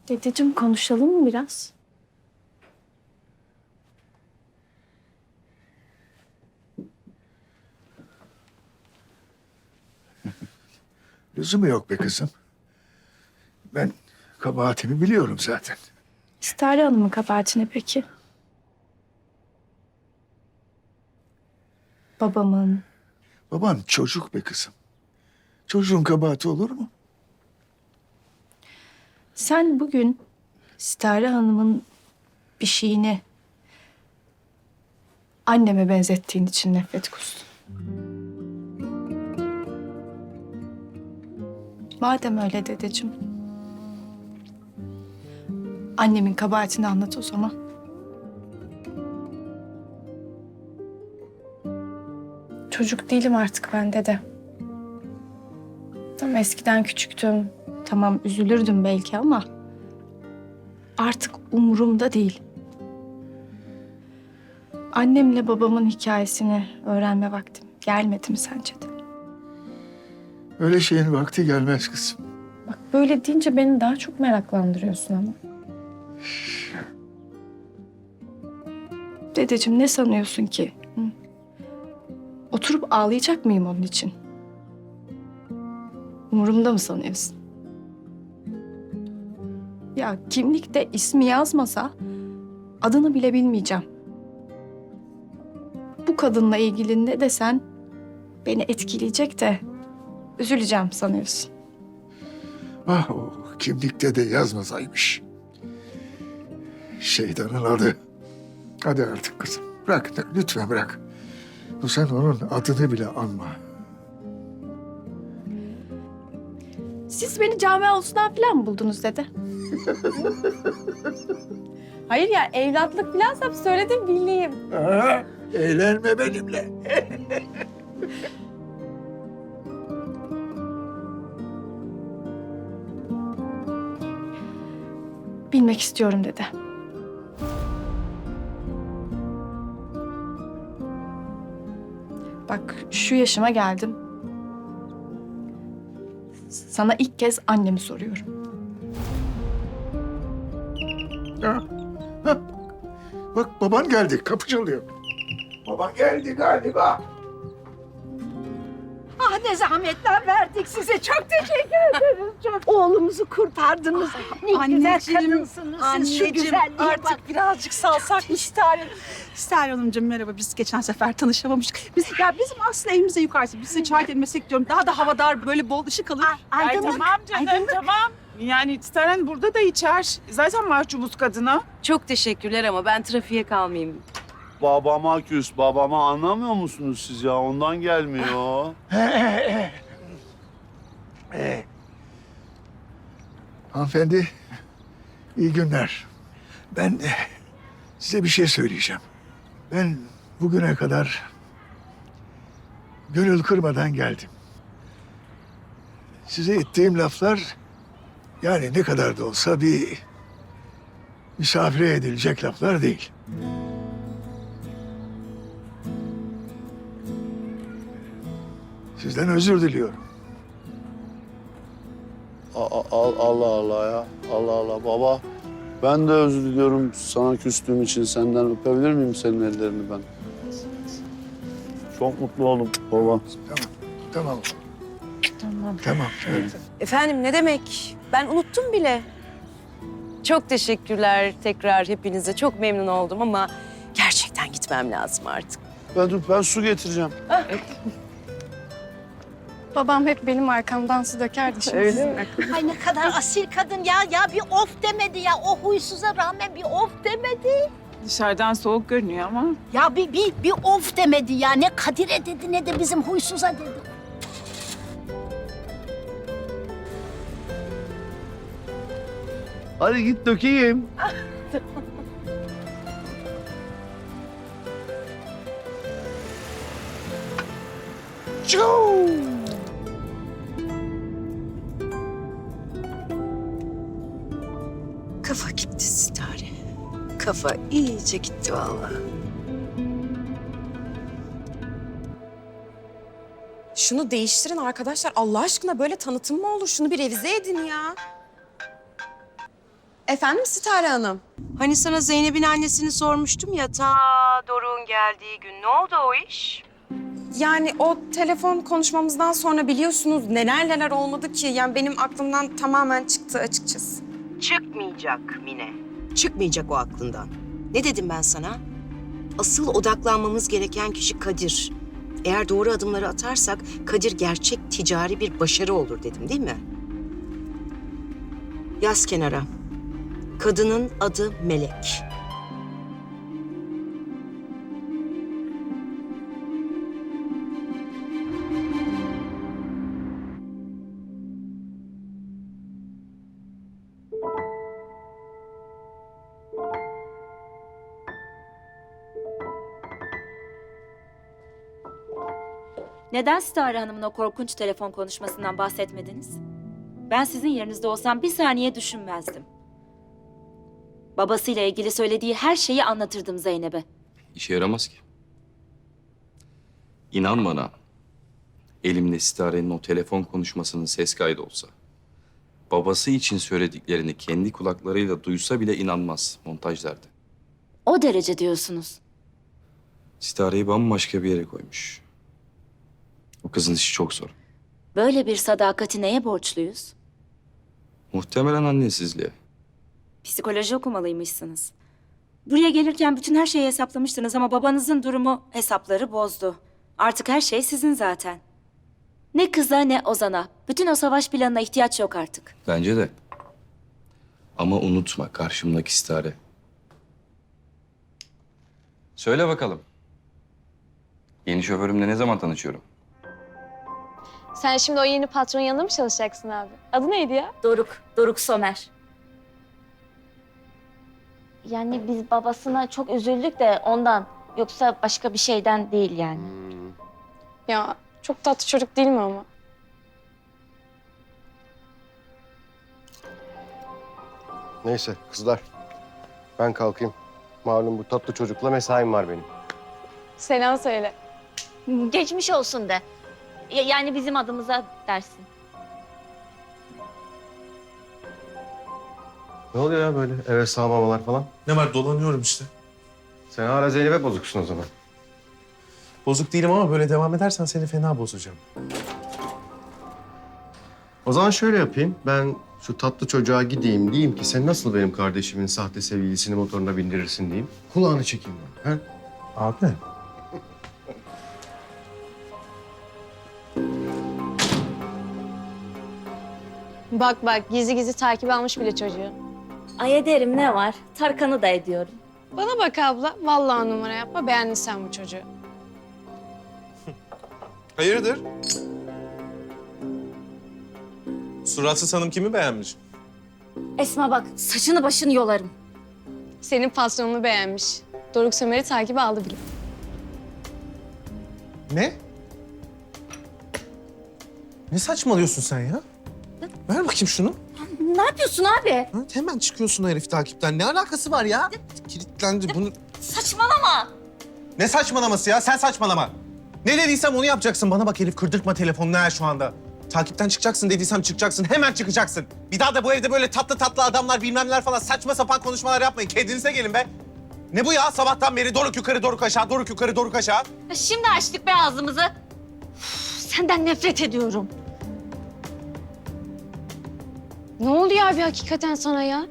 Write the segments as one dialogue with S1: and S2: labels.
S1: Dedeciğim konuşalım mı biraz?
S2: Lüzumu yok be kızım. Ben kabahatimi biliyorum zaten.
S1: Stare Hanım'ın kabahatine peki? Babamın.
S2: Baban çocuk be kızım. Çocuğun kabahati olur mu?
S1: Sen bugün Stare Hanım'ın bir şeyini anneme benzettiğin için nefret kustun. Madem öyle dedeciğim. Annemin kabahatini anlat o zaman. Çocuk değilim artık ben dede. Tamam eskiden küçüktüm. Tamam üzülürdüm belki ama artık umurumda değil. Annemle babamın hikayesini öğrenme vaktim gelmedi mi sence de?
S2: Öyle şeyin vakti gelmez kızım.
S1: Bak böyle deyince beni daha çok meraklandırıyorsun ama. Dedeciğim ne sanıyorsun ki? Hı? Oturup ağlayacak mıyım onun için? Umurumda mı sanıyorsun? Ya kimlikte ismi yazmasa adını bile bilmeyeceğim. Bu kadınla ilgili ne desen beni etkileyecek de üzüleceğim sanıyorsun.
S2: Ah o kimlikte de yazmasaymış. Şeytanın adı. Hadi artık kızım. Bırak lütfen bırak. Sen onun adını bile anma.
S1: Siz beni cami avlusundan falan mı buldunuz dede? Hayır ya evlatlık filansam söyledim bileyim.
S2: Aa, eğlenme benimle.
S1: Bilmek istiyorum dede. Bak şu yaşıma geldim. Sana ilk kez annemi soruyorum.
S2: Ha, ha. Bak baban geldi. Kapı çalıyor. Baban geldi galiba.
S3: Ah ne zahmetler verdik size. Çok teşekkür ederiz. Çok. Oğlumuzu kurtardınız. Ne güzel kadınsınız siz. Şu güzelliğe
S4: artık
S3: bak.
S4: birazcık salsak İster. İster Hanımcığım merhaba. Biz geçen sefer tanışamamıştık. Bizim aslında evimize yukarısı. Biz size çay demesek diyorum. Daha da havadar böyle bol ışık alır.
S3: Aydınlık.
S5: Tamam canım
S3: Aydınlık.
S5: tamam. Yani Staren burada da içer. Zaten mahcubuz kadına.
S6: Çok teşekkürler ama ben trafiğe kalmayayım.
S7: Babama küs, babama anlamıyor musunuz siz ya? Ondan gelmiyor.
S2: Hanımefendi, iyi günler. Ben size bir şey söyleyeceğim. Ben bugüne kadar gönül kırmadan geldim. Size ettiğim laflar yani ne kadar da olsa bir misafire edilecek laflar değil. Sizden özür diliyorum.
S7: Allah Allah ya. Allah Allah baba. Ben de özür diliyorum sana küstüğüm için. Senden öpebilir miyim senin ellerini ben? Çok mutlu oldum baba.
S2: Tamam.
S1: Tamam.
S2: Tamam. Evet.
S6: Efendim ne demek? Ben unuttum bile. Çok teşekkürler tekrar hepinize. Çok memnun oldum ama gerçekten gitmem lazım artık.
S7: Ben su getireceğim.
S1: Babam hep benim arkamdan su dökerdi şimdi. Öyle mi?
S3: Ay ne kadar asil kadın ya. Ya bir of demedi ya. O huysuza rağmen bir of demedi.
S5: Dışarıdan soğuk görünüyor ama.
S3: Ya bir of demedi ya. Ne Kadir'e dedi ne de bizim huysuza dedi.
S7: Hadi git dökeyim.
S6: Kafa gitti Sitare. Kafa iyice gitti vallahi. Şunu değiştirin arkadaşlar. Allah aşkına böyle tanıtım mı olur? Şunu bir revize edin ya. Efendim Sitare Hanım? Hani sana Zeynep'in annesini sormuştum ya ta Doruk'un geldiği gün. Ne oldu o iş? Yani o telefon konuşmamızdan sonra biliyorsunuz neler olmadı ki. Yani benim aklımdan tamamen çıktı açıkçası. Çıkmayacak Mine. Çıkmayacak o aklından. Ne dedim ben sana? Asıl odaklanmamız gereken kişi Kadir. Eğer doğru adımları atarsak Kadir gerçek ticari bir başarı olur dedim değil mi? Yaz kenara. Kadının adı Melek.
S8: Neden Sitare Hanım'ın o korkunç telefon konuşmasından bahsetmediniz? Ben sizin yerinizde olsam bir saniye düşünmezdim. Babasıyla ilgili söylediği her şeyi anlatırdım Zeynep'e.
S9: İşe yaramaz ki. İnan bana, elimde Sitare'nin o telefon konuşmasının ses kaydı olsa, babası için söylediklerini kendi kulaklarıyla duysa bile inanmaz, montaj derdi.
S8: O derece diyorsunuz.
S9: Sitare'yi bambaşka bir yere koymuş. O kızın işi çok zor.
S8: Böyle bir sadakati neye borçluyuz?
S9: Muhtemelen annesizliğe.
S8: Psikoloji okumalıymışsınız. Buraya gelirken bütün her şeyi hesaplamıştınız ama babanızın durumu hesapları bozdu. Artık her şey sizin zaten. Ne kıza ne Ozan'a. Bütün o savaş planına ihtiyaç yok artık.
S9: Bence de. Ama unutma karşımdaki Sitare. Söyle bakalım. Yeni şoförümle ne zaman tanışıyorum?
S10: Sen şimdi o yeni patronun yanında mı çalışacaksın abi? Adı neydi ya?
S8: Doruk Somer.
S10: Yani biz babasına çok üzüldük de ondan. Yoksa başka bir şeyden değil yani. Ya çok tatlı çocuk değil mi ama?
S11: Neyse kızlar. Ben kalkayım. Malum bu tatlı çocukla mesaim var benim.
S10: Selam söyle.
S8: Geçmiş olsun de. Yani bizim adımıza dersin.
S11: Ne oluyor ya böyle eve sağlamalar falan?
S12: Ne var, dolanıyorum işte.
S11: Sen hala Zeynep'e bozuksun o zaman.
S12: Bozuk değilim ama böyle devam edersen seni fena bozacağım.
S11: O zaman şöyle yapayım. Ben şu tatlı çocuğa gideyim diyeyim ki sen nasıl benim kardeşimin sahte sevgilisini motoruna bindirirsin diyeyim. Kulağını çekeyim ben. He?
S12: Abi.
S10: Bak gizli gizli takip almış bile çocuğu.
S8: Ay ederim ne var? Tarkan'ı da ediyorum.
S10: Bana bak abla. Vallahi numara yapma. Beğendin sen bu çocuğu.
S12: Hayırdır? Suratsız hanım kimi beğenmiş?
S8: Esma bak saçını başını yolarım.
S10: Senin patronunu beğenmiş. Doruk Sömer'i takibe aldı bile.
S12: Ne? Ne saçmalıyorsun sen ya? Ver bakayım şunu.
S8: Ne yapıyorsun abi?
S12: Ha, hemen çıkıyorsun o herif takipten. Ne alakası var ya? Kilitlendi bunu.
S8: Saçmalama.
S12: Ne saçmalaması ya? Sen saçmalama. Ne dediysem onu yapacaksın. Bana bak Elif, kırdırtma telefonunu her şu anda. Takipten çıkacaksın dediysem çıkacaksın. Hemen çıkacaksın. Bir daha da bu evde böyle tatlı adamlar bilmem neler falan saçma sapan konuşmalar yapmayın. Kendinize gelin be. Ne bu ya? Sabahtan beri Doruk yukarı, Doruk aşağı, Doruk yukarı, Doruk aşağı.
S8: Şimdi açtık be ağzımızı. Senden nefret ediyorum.
S10: Ne oluyor abi hakikaten sana ya?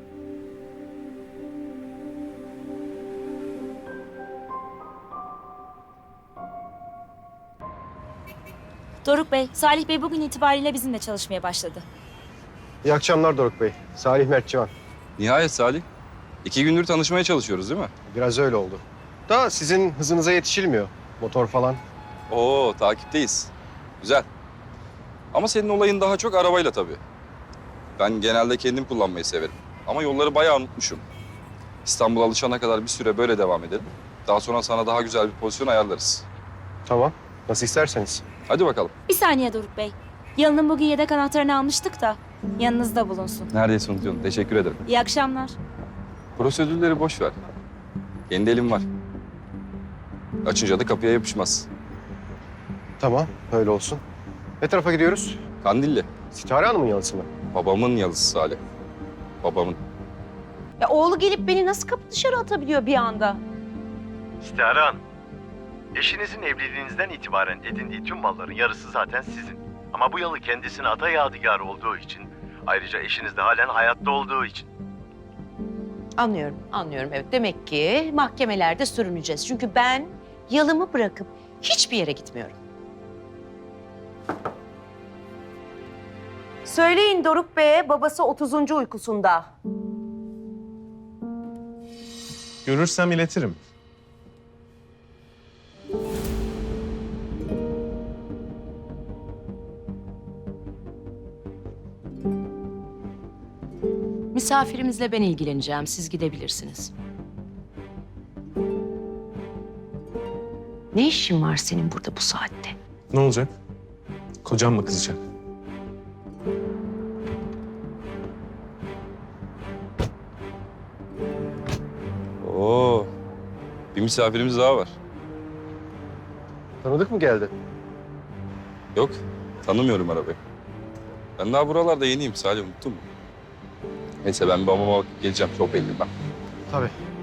S8: Doruk Bey, Salih Bey bugün itibariyle bizimle çalışmaya başladı.
S11: İyi akşamlar Doruk Bey. Salih Mertçivan.
S9: Nihayet Salih. 2 gündür tanışmaya çalışıyoruz değil mi?
S11: Biraz öyle oldu. Da sizin hızınıza yetişilmiyor. Motor falan.
S9: Oo, takipteyiz. Güzel. Ama senin olayın daha çok arabayla tabii. Ben genelde kendim kullanmayı severim. Ama yolları bayağı unutmuşum. İstanbul'a alışana kadar bir süre böyle devam edelim. Daha sonra sana daha güzel bir pozisyon ayarlarız.
S11: Tamam. Nasıl isterseniz.
S9: Hadi bakalım.
S8: Bir saniye Doruk Bey. Yalın'ın bugün yedek anahtarını almıştık da yanınızda bulunsun.
S9: Neredeyse unutuyordum. Teşekkür ederim.
S8: İyi akşamlar.
S9: Prosedürleri boş ver. Kendi elim var. Açınca da kapıya yapışmaz.
S11: Tamam. Öyle olsun. Ne tarafa gidiyoruz?
S9: Kandilli.
S11: Sitare Hanım'ın yalısı mı?
S9: Babamın yalısı Salih. Babamın.
S3: Ya oğlu gelip beni nasıl kapı dışarı atabiliyor bir anda?
S13: İstihare Hanım, eşinizin evliliğinizden itibaren edindiği tüm malların yarısı zaten sizin. Ama bu yalı kendisine ata yadigarı olduğu için, ayrıca eşiniz de halen hayatta olduğu için.
S3: Anlıyorum, anlıyorum. Evet, demek ki mahkemelerde sürüneceğiz. Çünkü ben yalımı bırakıp hiçbir yere gitmiyorum. Söyleyin Doruk Bey'e, babası 30. uykusunda.
S12: Görürsem iletirim.
S3: Misafirimizle ben ilgileneceğim. Siz gidebilirsiniz. Ne işin var senin burada bu saatte?
S12: Ne olacak? Kocam mı kızacak?
S9: Oo, bir misafirimiz daha var.
S11: Tanıdık mı geldi?
S9: Yok, tanımıyorum arabayı. Ben daha buralarda yeniyim Salih, unuttun mu? Neyse ben babama bakıp geleceğim, çok belli ben.
S11: Tabii.